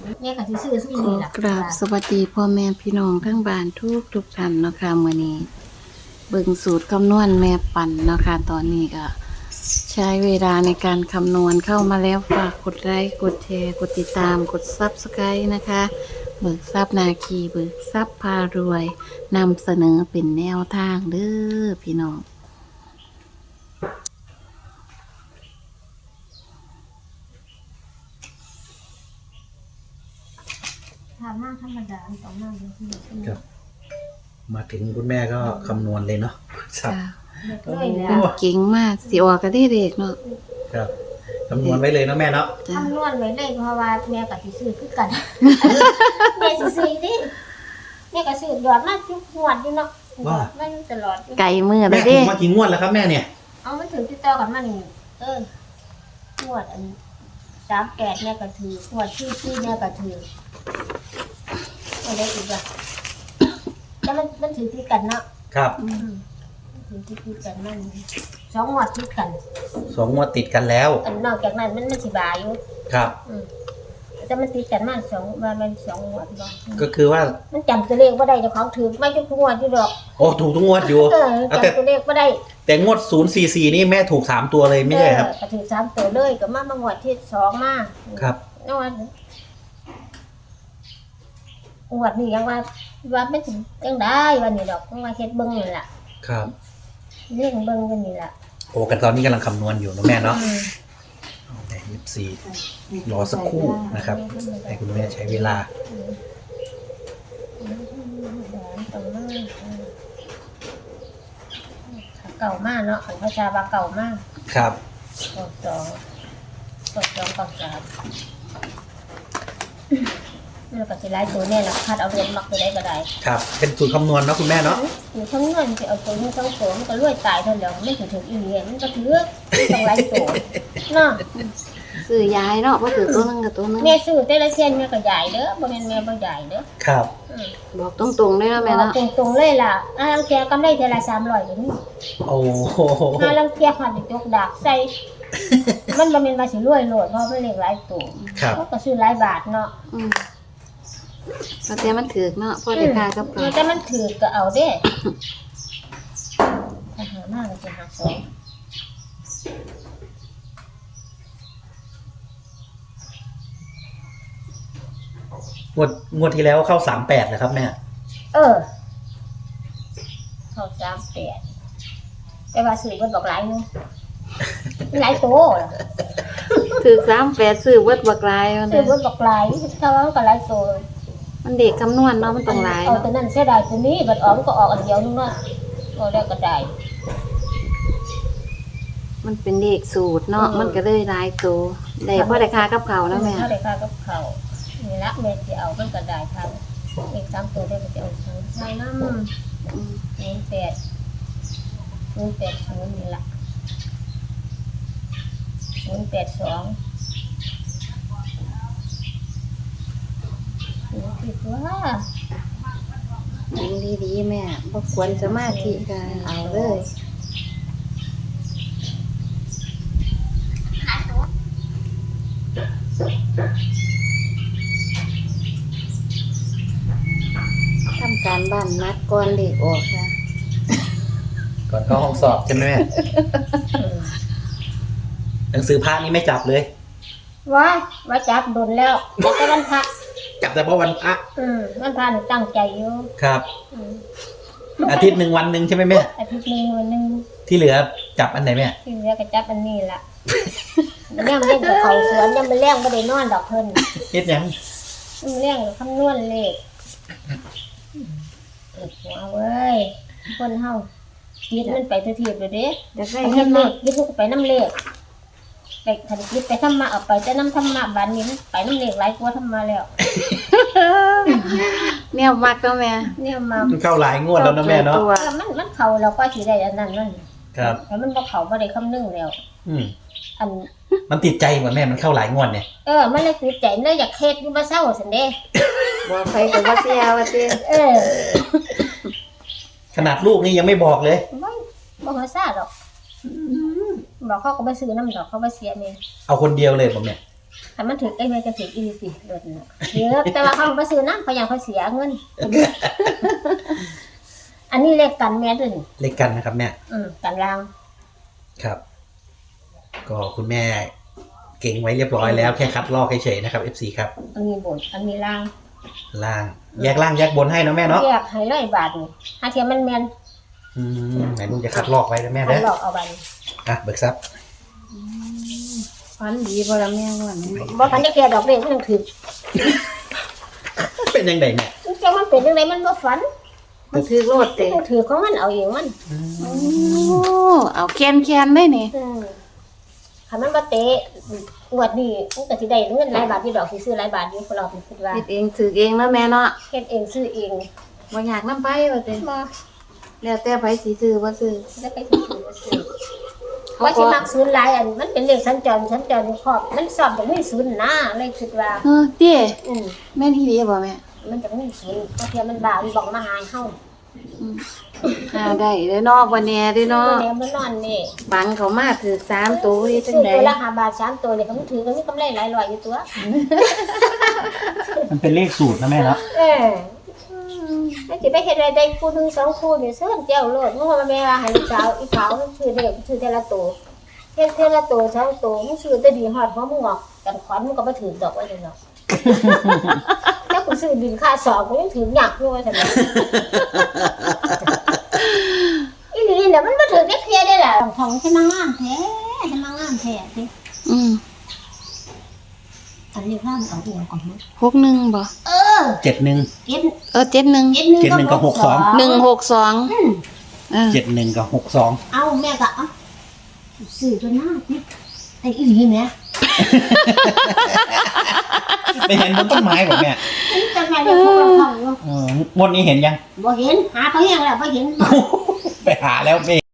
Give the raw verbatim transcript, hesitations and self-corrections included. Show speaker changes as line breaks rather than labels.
แม่ก็สิซื้อซุ่ม
ขอ
นี่ล่ะ
กราบสวัสดีพ่อแม่พี่น้องทั้งบ้านทุกทุกท่านเนาะค่ะมื้อนี้เบิ่งสูตรคำนวณแม่ปั่นเนาะค่ะตอนนี้ก็ใช้เวลาในการคำนวณเข้ามาแล้วฝากกดไลค์กดแชร์กดติดตามกด Subscribe นะคะเบิกทรัพย์นาคีเบิกทรัพย์พารวยนำเสนอเป็นแนวทางเด้อพี่น้อง
ถามหน้าธรรมดาต้องมาเลยที่นี่
ครับ มาถึงคุณแม่ก็คำนวณเลยเนาะครับ
จ้ะ
เด็กเลยแล้
เพิ่น
ว
เก่งมากสิออกก็ได้เด็กเนาะ
ครับคำนวณไว้เลยเนาะแม่เนาะ
จ้ะ
คำนวณไว้เลยเพราะว่าแม่ก็สิซื้อคือกัน แม่สิซื้อดิแม่ก็ซื้อดอดมาทุกงวดอยู่เนาะดอดมันตลอดอยู่
ไก่มือ
แม่
แล้ว
ถู
เด้
กมากี่งวดแล้วครับแม่เนี่ย
เอามันถือติดต่อกันมานี่เอองวดอันสามแปดแม่ก็ถืองวดที่ที่แม่ก็ถืออะไรอีกอ่ะแล้วมันมันถือที่กันเนาะ
ครับ
อืมถือที่ที่กันมันสองงวดที่กัน
สองงวดติดกันแล้ว
อันนอกจากนั้นมันมันสิบายอยู่
ครับ
อืมแต่มันติดกันมาสองว่ามันสองงวดบ่
ก็คือว่า
มันจำตัวเลขบ่ได้เจ้าของถือไม่ทุกงวดอยู่ดอก
โอ้ถูกทุกงวดอยู่
เออ
เอาแต่
จำตัวเลขบ่ได้
แต่งวดศูนย์สี่สี่นี่แม่ถูกสามตัวเลยไม่ใช่ครับ
เออก็ถือสามตัวเลยก็มามางวดที่สองมา
ครับ
นอนงวดนี้ยังว่าว่าไม่ถึงยังได้วันนี้ดอกยังว่าเฮ็ดเบิ่งนี่ล่ะ
ครับ
เรื่องเบิ่งกันนี่ล่ะ
โอ้กันตอนนี้กำลังคำนวณอยู่เนาะแม่เนาะ
อืม
แต่ยี่สิบสี่รอสักครู่นะครับให้คุณแม่ใช้เวลา
อืมอืมตรงนั้นอืมเก่ามากเนาะของพระชาบาเก่ามาก
ครับ
กดสองกดสองกดสามแล้วก็สิไล่ตัวเนี่ยละคัดเอาเรียนมักไปได้ก็ได้
ครับ เป็นสูตรคำนวณเนาะคุณแม่เนาะ
หรือทั้งเงินจะเอาตัวนี้ทั้งตัวมันก็รวยตายเท่าเดียวไม่ถึงถึงอีเงี้ยมันก็ถือต้องไล่ตัวเนาะ
ซื้อยายเนาะบ่ถือตัวหนึงกับตัวหนึง
แม่ซื้อแต่ละเส้นแม่ก็ใหญ่เด้อบ่แม่นแม่บ่ใหญ่เด้อ
ครับ
อืม
บอกตรงๆเลยเนาะแม่เนาะ
ตรงตรงๆเลยล่ะอ่าลังเทียกำไรเท่าละสามร้อยก็มี
โอ้โห
อ่าลังเทียหันจกดากใส่ มันบ่แม่นว่าสิรวยโลดเพราะมันเล็กหลายตัว
ครับ
เขาก็ซื้อหลายบาทเนาะ
อืมก็แต่มันถือกเนาะพอได้ค่ากับ
เอ
เขา
อแต่มันถือก็เอาเด้ถ้าหามากก็จะหาสอง
งวดงวดที่แล้วเข้าสามแปดเลยครับแม่
เออเขาสามแปดแต่ว่าซื้อเพิ่นบอกหลายหนึงหลายโตล่ะ
ถือกสามแปดซื้อเบิดบักหลายมัน
ซื้อเพิ่นบอกหลายถ้าว่ามันก็หลายโต
มันเด็กคำนวณเนาะมันต้องหลาย
เอา
เนาะ
ตัวนั้นเสียดายตัวนี้บัดออกมันก็ออกอันเดียวนึงเนาะก็ได้ก็ได้
มันเป็นเด็กสูตรเนาะมันก็เลยหลายตัวได้พอได้ค่ากับเขาแล้วแม่
เท่าได้ค่ากับเขาวนี่ละแม่สิเอามันก็ได้ทางอีกสามตัวได้ก็จะเอาศูนย์ใส่น้ำ
อืม
ศูนย์แปดศูนย์แปดศูนย์นี่ละศูนย์แปดสองศูนย์ผิดว่า
ยิงดีๆแม่บ่ควรสมาธิก็เอาเลยทำการบ้านนัดก่อนเด็กออกค่ะ
ก่อนเข้าห้องสอบใช่ไหมแม่
อืม
หนังสือพระนี่ไม่จับเลย
ว่าว่าจับโดนแล้วแล้วก็วันพระ
จับแต่เพราะวันพระ
อืมวันพระหนูตั้งใจอยู่
ครับ
อืม
อาทิตย์หนึ่งวันหนึ่งใช่ไหมแม่
อาทิตย์หนึงวันหนึง
ที่เหลือจับอันไหนแม่
ที่เหลือก็จับอันนี้ละมันยังเล่นกับเขาสวนยังมันแรงไม่ได้นอนดอกเพิ่น
เฮ็ดหยัง
มันแรงคำนวณเลขเอ็ดหัวเว้ยคนเฮาคิดมันไปทุกทีเลยเด้
อยากได้
ไป
เงิน
ทำเล
เนาะ
ขยึดทุกไปน้ำเลขไปขันยึดไปทำมาเอาไปแต่น้ำทำมาบานนี้มันไปน้ำเลขหลายกว่าทำมาแล้ว
แนวมักก็แม่
เนี่ยมา
มันเข้าหลายงวดแล้วนะแม่เนาะ
ตัว
เออมันมันเขาเราก็สีได้อันนั้นนั่น
ครับ
แต่มันบ่เขาบ่ได้คำนึงแล้ว
อืม
อัน
มันติดใจกว่าแม่มันเข้าหลายงวดเนี่ย
เออมันเลยติดใจเลยอยากเฮ็ดอยู่บ่เศร้าซั่นเด้
บอกไปก็บ่เสียว่าติ
เออ
ขนาดลูกนี่ยังไม่บอกเลย
บ่บ่ฮอดซ่าดอกบอกเขาก็บ่ซื้อน้ำดอกเขาบ่เสียแม่
เอาคนเดียวเลยผมเนี่ย
ถ้ามันถึงไอ้แม่จะถึงอีสิรถน่ะเยอะแต่ว่าเขาไปซื้อน้ำเขายังเขาเสียเงิน อันนี้เลขกันแม่ด้วยนี่
เลขกันนะครับแม่
อืมกันราง
ครับ ก็คุณแม่เก่งไว้เรียบร้อยแล้วแค่คัดลอกเฉยๆนะครับ เอฟ ซี ครับ
อันนี้บนอันนี้ล่าง
ล่างแยกล่างแยกบนให้นะแม่เนาะ
แยกให้ร้อยบาทนี่ถ้าเทียมมันแมน
อืมไหนลุงจะคัดลอกไว้นะแม่
คัน
เด้อ
หลอกเอาบัน
อ่ะเบิกทรัพย์
ฝันดีบ่ละแม่ว่านี่
บ่ฝันจะแก่ดอกเบี้ยมันยังถือ
เป็นยังไงแม่
จังมันเป็นยังไงมันบ่ฝัน
มันถือโลดเตะ
มันถือของมันเอาเองมัน
โอ้เอาแคนแคนได้นี่
อืมถ้ามันบ่เตะงวดนี้มันก็สิได้เงินหลายบาทอยู่ดอกสิซื้อหลายบาทอยู่พวกเราคิดว่า
เฮ็ดเองถือเองแล้วแม่เนาะ
เฮ็ดเองซื้อเอง
บ่อยากนำไปว่าเตะ
บ่
แล้วแต่ไผสิซื้อบ่ซื้อ
แล้วไปซื้อซื้อว่าสิมักศูนย์หลายอันมันเป็นเลขสัญจรสัญจรครอบมันสอบจะมีศูนย์นะเลยคิดว่า
เออเต้
อืม
แม่นอีหลีบ่แม่
มันจะมีศูนย์เพราะเทียมันบ่าวมันบอกมาหาเฮา
อืมหาได้เด้อเนาะบ่แน่เด้อเนาะ
แล้วมันนอนนี่
บังเขามาถือสามตัวนี่จั
ซื้
ง
อ
ได๋
ตัวละห้าบาทสามตัวเนี่ยเขาถือกันมีกำไรหลายร้อยอยู่ตัว
มันเป็นเลขสูตรนะแม่เนาะ
เออแล้วสิไปเฮ็ดอะไรได้คู่หนึงสองคู่นี่เสื้อเจ้าโลดมึงว่าแม่ว่าให้ลูกสาวอีขาวมันซื้อเด็กซื้อแต่ละตัวเฮ็ดแต่ละตัวสองตัวมึงซื้อแต่ดีฮอดหัวมึงออกกันขวัญมึงก็บ่ถือดอกไว้เด้อเนาะ แล้วกูซื้อดินค่าสอบกูยังถือหยักด้วยซั่นน่ะ อีหลีเนี่ยมันบ่ถือได้เคลียร์ได้ล่ะของฉันมางามแท้ฉันมางามแท้สิ
อืม
อันนี้ข้ามเอาเองก่อนมั้ง
หกหนึ่งบ่
เออ
เจ็ดหนึ่ง
เก็บ
เออเจ็ดหนึ่ง
เก็บหนึ่ง
เก็บหนึ่งกับหกสอง
หนึ่งหกสอง
อืม
เออ
เจ็ดหนึ่งกับหกสอง
เอาแม่ก็เอาซื้อตัวหน้าสิไอ้อีหลีแม่
ไปเห็นบนต้นไม้แบบแม่
จังไงเดี๋ยวพวกเราเข้าอยู่
เอองวดนี้เห็นยัง
บ่เห็นหาเขาแห้งแล้วบ่เห็น
ไปหาแล้วไม่